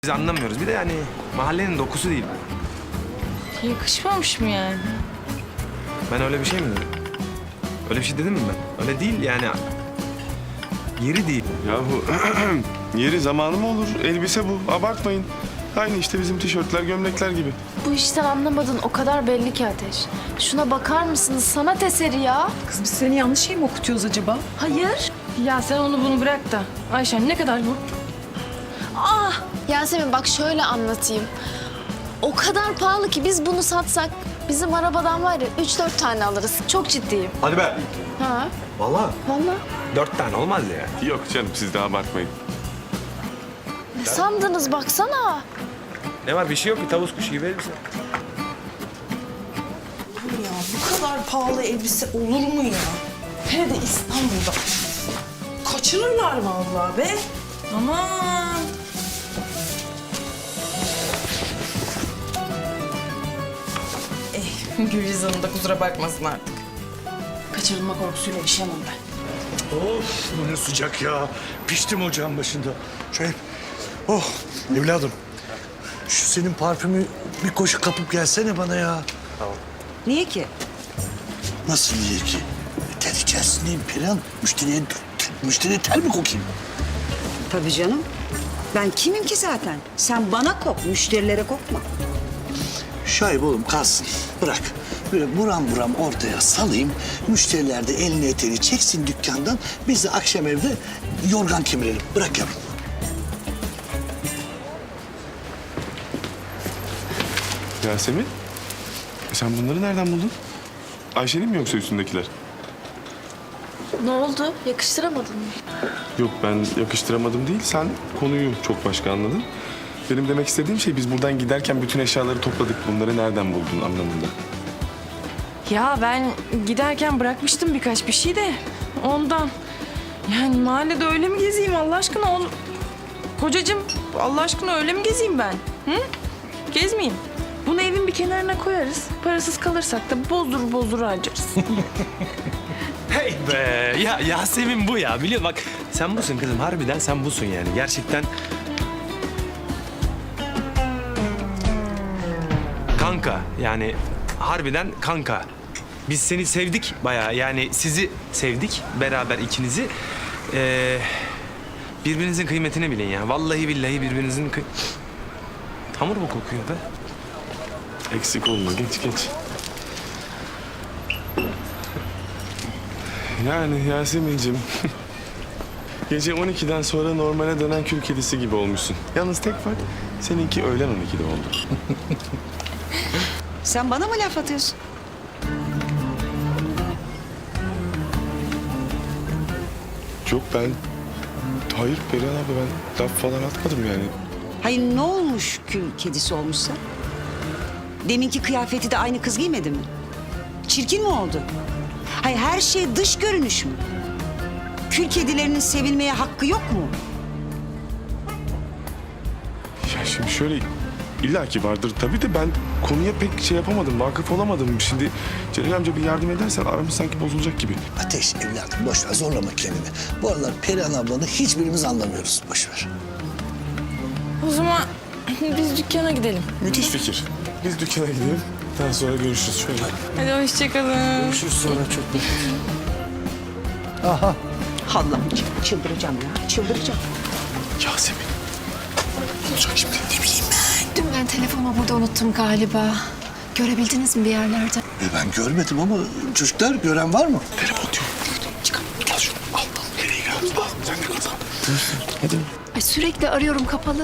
Biz anlamıyoruz. Bir de yani mahallenin dokusu değil. Yakışmamış mı yani? Ben öyle bir şey mi dedim? Öyle bir şey dedim mi ben? Öyle değil yani. Yeri değil. Yahu yeri zamanı mı olur? Elbise bu. Abartmayın. Aynı işte bizim tişörtler, gömlekler gibi. Bu işten anlamadın o kadar belli ki Ateş. Şuna bakar mısınız? Sanat eseri ya. Kız biz seni yanlış şey mi okutuyoruz acaba? Hayır. Ya sen onu bunu bırak da. Ayşen ne kadar bu? Yasemin bak şöyle anlatayım. O kadar pahalı ki biz bunu satsak bizim arabadan var ya 3-4 tane alırız. Çok ciddiyim. Hadi be. Ha? Vallahi Vallahi. 4 tane olmaz ya. Yok canım siz de abartmayın. Ne sandınız baksana. Ne var bir şey yok ki tavus kuşu gibi elbise. Ya bu kadar pahalı elbise olur mu ya? Hele de İstanbul'da. Kaçırırlar vallahi be. Aman. Gülriz Hanım da kusura bakmasın artık. Kaçırılma korkusuyla yaşayamam ben. Of bu ne sıcak ya. Piştim ocağın başında. Şöyle. Oh evladım. Şu senin parfümü bir koşu kapıp gelsene bana ya. Niye ki? Nasıl niye ki? Ter içerisindeyim Perihan. Müşteriye ter mi kokayım? Tabii canım. Ben kimim ki zaten? Sen bana kok, müşterilere kokma. Şahip oğlum kalsın. Bırak. Böyle buram buram ortaya salayım. Müşteriler de elini eteğini çeksin dükkandan. Biz de akşam evde yorgan kemirelim. Bırak yavrum. Yasemin, sen bunları nereden buldun? Ayşe'nin mi yoksa üstündekiler? Ne oldu? Yakıştıramadın mı? Yok ben yakıştıramadım değil, sen konuyu çok başka anladın. Benim demek istediğim şey biz buradan giderken bütün eşyaları topladık. Bunları nereden buldun anlamında. Ya ben giderken bırakmıştım birkaç bir şey de ondan. Yani mahallede öyle mi gezeyim Allah aşkına? Kocacığım Allah aşkına öyle mi gezeyim ben? Hı? Gezmeyeyim. Bunu evin bir kenarına koyarız. Parasız kalırsak da bozdur harcarız. Hey be ya Yasemin bu ya biliyor bak sen busun kızım harbiden sen busun yani gerçekten. Kanka yani harbiden kanka. Biz seni sevdik bayağı yani sizi sevdik beraber ikinizi. Birbirinizin kıymetini bilin ya. Vallahi billahi birbirinizin hamur mu kokuyor be? Eksik olma, geç. Yani Yasemin'cim, gece 12'den sonra normale dönen kül kedisi gibi olmuşsun. Yalnız tek fark, seninki öğlen 12'de oldu. Sen bana mı laf atıyorsun? Yok ben, hayır Perihan abi ben laf falan atmadım yani. Hayır ne olmuş kül kedisi olmuşsa? Deminki kıyafeti de aynı kız giymedi mi? Çirkin mi oldu? Hayır her şey dış görünüş mü? Kül kedilerinin sevilmeye hakkı yok mu? Ya şimdi şöyle, illaki vardır tabii de ben konuya pek şey yapamadım, vakıf olamadım. Şimdi Celal amca bir yardım edersen aramız sanki bozulacak gibi. Ateş evladım boş ver zorlama kendini. Bu aralar Perihan ablanı hiçbirimiz anlamıyoruz. Boş ver. O zaman biz dükkana gidelim. Müthiş fikir. Biz dükkana gidelim, daha sonra görüşürüz şöyle. Hadi hoşçakalın. Görüşürüz sonra çok Allah'ım çıldıracağım ya, çıldıracağım. Yasemin, ne olacak şimdi? Ne bileyim Dün ben telefonumu burada unuttum galiba. Görebildiniz mi bir yerlerde? Ben görmedim ama çocuklar gören var mı? Telefon yok. Çıkar, al şunu, al. Nereye gidiyorsun? Al, sen de kazan. Hadi. Ay sürekli arıyorum kapalı.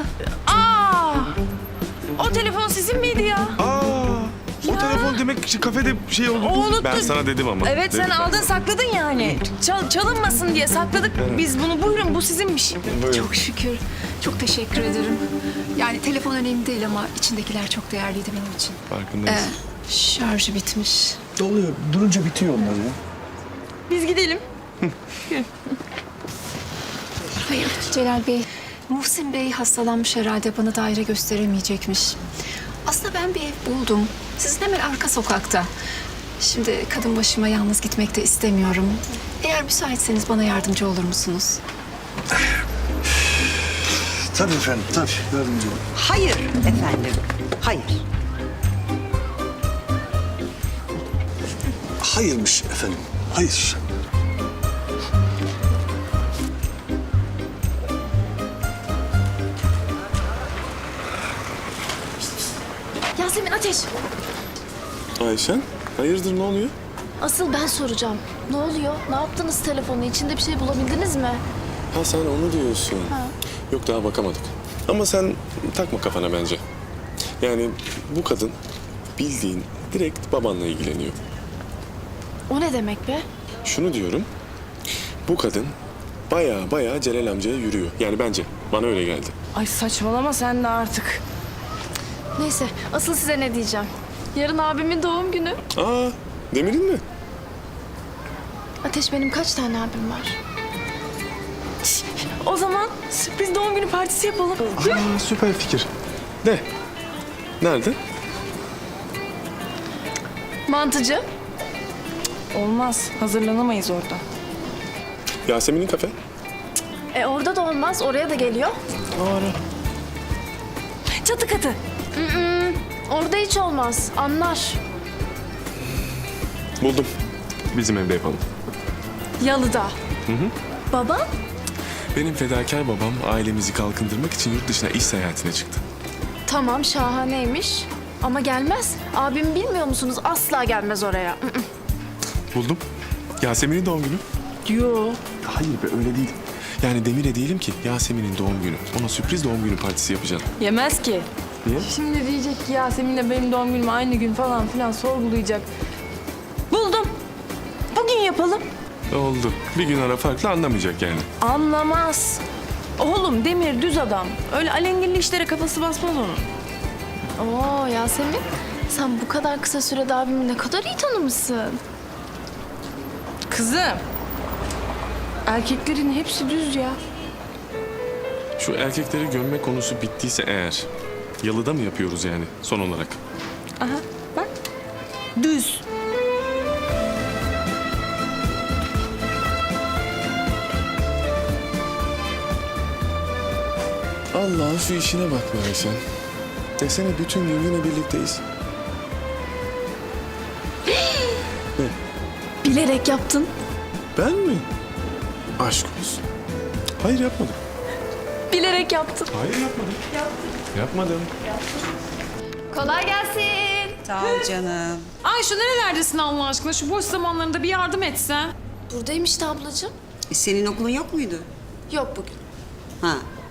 O telefon sizin miydi ya? O telefon demek ki kafede şey oldu. O unuttu. Ben sana dedim ama. Evet sen Dedim ben aldın sana. sakladın yani. Çalınmasın diye sakladık. Biz bunu buyurun bu sizinmiş. Buyurun. Çok şükür. Çok teşekkür ederim. Yani telefon önemli değil ama içindekiler çok değerliydi benim için. Farkındayız. Şarjı bitmiş. Oluyor. Durunca bitiyor onlar ya. Biz gidelim. Hayır Celal Bey. Muhsin Bey hastalanmış herhalde bana daire gösteremeyecekmiş. Aslında ben bir ev buldum. Sizin hemen arka sokakta. Şimdi kadın başıma yalnız gitmek de istemiyorum. Eğer müsaitseniz bana yardımcı olur musunuz? Tabii efendim, tabii. Yardımcı olun. Hayır efendim. Hayır. Hayırmış efendim, hayır. Yasemin Ateş. Ayşen, hayırdır ne oluyor? Asıl ben soracağım. Ne oluyor? Ne yaptınız telefonu? İçinde bir şey bulabildiniz mi? Ha sen onu diyorsun. Yok daha bakamadık. Ama sen takma kafana bence. Yani bu kadın bildiğin direkt babanla ilgileniyor. O ne demek be? Şunu diyorum. Bu kadın baya Celal amcaya yürüyor. Yani bence. Bana öyle geldi. Ay saçmalama sen de artık. Neyse, asıl size ne diyeceğim? Yarın abimin doğum günü. Aa, Demir'in mi? Ateş, benim kaç tane abim var? O zaman sürpriz doğum günü partisi yapalım. Aa, süper fikir. De. Nerede? Mantıcı. Olmaz. Hazırlanamayız orada. Yasemin'in kafe. Orada da olmaz. Oraya da geliyor. Çatı katı. Orada hiç olmaz. Anlar. Buldum. Bizim evde yapalım. Yalıda. Baba? Benim fedakar babam ailemizi kalkındırmak için yurt dışına iş seyahatine çıktı. Tamam, şahaneymiş. Ama gelmez. Abimi bilmiyor musunuz? Asla gelmez oraya. Buldum. Yasemin'in doğum günü. Yo. Hayır be öyle değil. Yani Demir'e diyelim ki Yasemin'in doğum günü. Ona sürpriz doğum günü partisi yapacağım. Yemez ki. Niye? Şimdi diyecek ki Yasemin'le benim doğum günüm aynı gün falan filan sorgulayacak. Buldum. Bugün yapalım. Oldu. Bir gün ara farklı anlamayacak yani. Anlamaz. Oğlum Demir düz adam. Öyle alengirli işlere kafası basmaz onun. Oo Yasemin, sen bu kadar kısa sürede abimi ne kadar iyi tanımışsın. Kızım. Erkeklerin hepsi düz ya. Şu erkekleri gömme konusu bittiyse eğer... Yalıda mı yapıyoruz yani son olarak? Aha bak. Düz. Allah'ın şu işine bak be Ayşen. Desene bütün gün yine birlikteyiz. Bilerek yaptın. Ben mi? Aşk olsun. Hayır yapmadım. Bilerek yaptın. Hayır yapmadım. Yapmadım. Kolay gelsin. Sağ ol canım. Ay şu nerelerdesin Allah aşkına? Şu boş zamanlarında bir yardım etsen. Buradayım işte ablacığım. Senin okulun yok muydu? Yok bugün. Ha.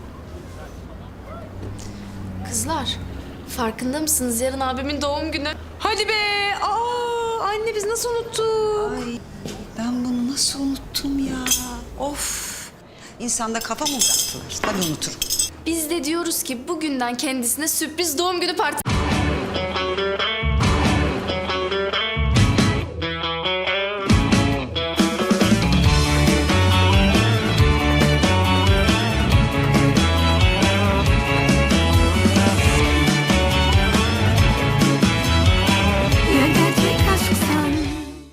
Kızlar, farkında mısınız? Yarın abimin doğum günü. Hadi be. Aa, anne biz nasıl unuttuk? Ay ben bunu nasıl unuttum ya? Of. İnsanda kafa mı bıraktılar? Tabii unuturum. Biz de diyoruz ki bugünden kendisine sürpriz doğum günü partisi